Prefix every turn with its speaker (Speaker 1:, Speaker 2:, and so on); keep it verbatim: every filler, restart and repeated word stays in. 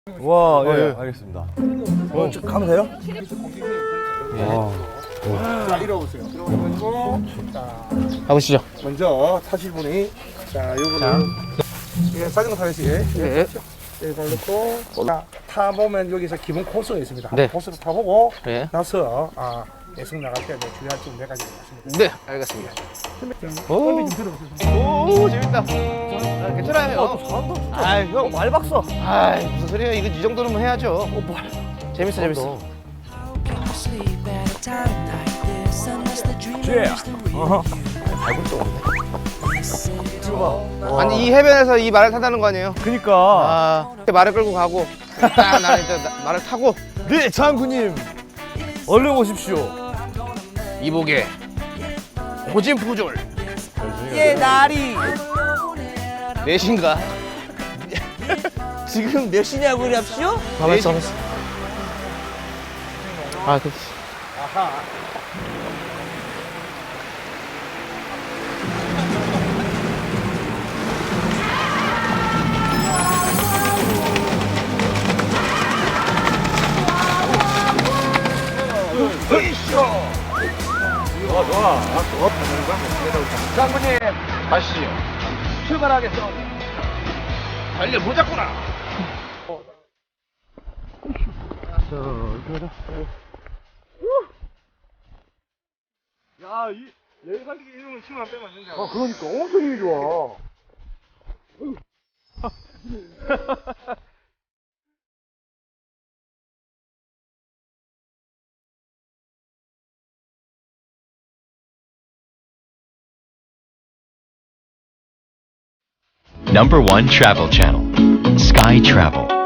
Speaker 1: 와, 예, 예, 알겠습니다.
Speaker 2: 어, 저 가면 돼요?
Speaker 1: 와.
Speaker 2: 자, 이러보세요. 이러고 자,
Speaker 3: 가보시죠.
Speaker 2: 먼저 타실 분이 자, 요거를 예, 자전거 타시게
Speaker 3: 네.
Speaker 2: 예, 잘 넣고 자, 타보면 여기서 기본 코스가 있습니다.
Speaker 3: 네.
Speaker 2: 코스를 타보고
Speaker 3: 네.
Speaker 2: 나서 아, 예승 나갈 때 주의할 점 네 가지가 있습니다.
Speaker 3: 네, 알겠습니다.
Speaker 2: 오, 좀 들어보세요.
Speaker 3: 오, 재밌다. 아, 괜찮아요.
Speaker 1: 어, 또 잘한다.
Speaker 3: 아이, 형.
Speaker 1: 말박사.
Speaker 3: 아이, 무슨 소리예요? 이거 이 정도는 해야죠.
Speaker 1: 어, 말.
Speaker 3: 재밌어, 재밌어.
Speaker 1: 쥐야. 어허.
Speaker 3: 아니, 이 해변에서 이 말을 탄다는 거 아니에요?
Speaker 1: 그니까.
Speaker 3: 아, 말을 끌고 가고, 딱 나는 이제 나- 말을 타고,
Speaker 1: 네, 장군님. 얼른 오십시오.
Speaker 3: 이복의 고진푸졸.
Speaker 1: 예, 나리.
Speaker 3: 넷인가?
Speaker 1: 지금 몇 시냐고 그럽시오?
Speaker 3: 가만있어, 가만있어. 아, 그,
Speaker 1: 좋아, 좋아.
Speaker 3: 장군님, 가시죠. 출발하겠어. 달려보자꾸나.
Speaker 2: 야, 이 내리갈기 이름을 치면 빼면 안 된다.
Speaker 1: 아, 그러니까 엄청 힘이 좋아.
Speaker 4: Number one travel channel, Sky Travel.